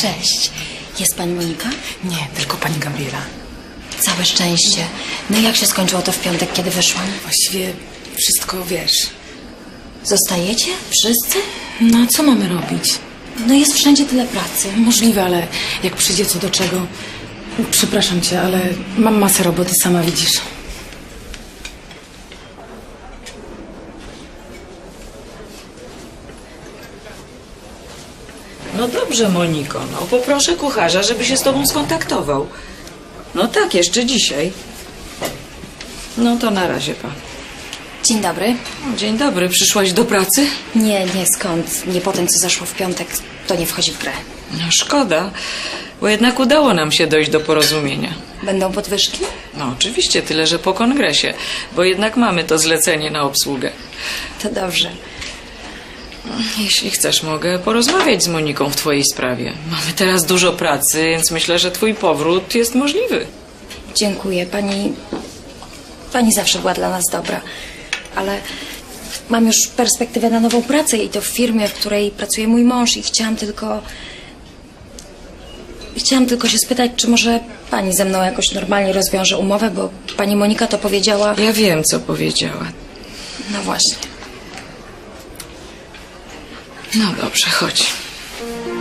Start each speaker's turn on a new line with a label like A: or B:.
A: Cześć. Jest pani Monika?
B: Nie, tylko pani Gabriela.
A: Całe szczęście. No i jak się skończyło to w piątek, kiedy wyszłam?
B: Właściwie wszystko wiesz.
A: Zostajecie? Wszyscy?
B: No a co mamy robić?
A: No jest wszędzie tyle pracy.
B: Możliwe, ale jak przyjdzie co do czego... Przepraszam cię, ale mam masę roboty, sama widzisz.
C: No dobrze, Moniko, no poproszę kucharza, żeby się z tobą skontaktował. No tak, jeszcze dzisiaj. No to na razie, pan.
A: Dzień dobry.
C: O, dzień dobry, przyszłaś do pracy?
A: Nie, skąd? Nie po tym, co zaszło w piątek, to nie wchodzi w grę.
C: No szkoda, bo jednak udało nam się dojść do porozumienia.
A: Będą podwyżki?
C: No oczywiście, tyle że po kongresie, bo jednak mamy to zlecenie na obsługę.
A: To dobrze.
C: Jeśli chcesz, mogę porozmawiać z Moniką w twojej sprawie. Mamy teraz dużo pracy, więc myślę, że twój powrót jest możliwy.
A: Dziękuję. Pani zawsze była dla nas dobra. Ale mam już perspektywę na nową pracę i to w firmie, w której pracuje mój mąż i chciałam tylko się spytać, czy może pani ze mną jakoś normalnie rozwiąże umowę, bo pani Monika to powiedziała...
C: Ja wiem, co powiedziała.
A: No właśnie.
C: No dobrze, chodź.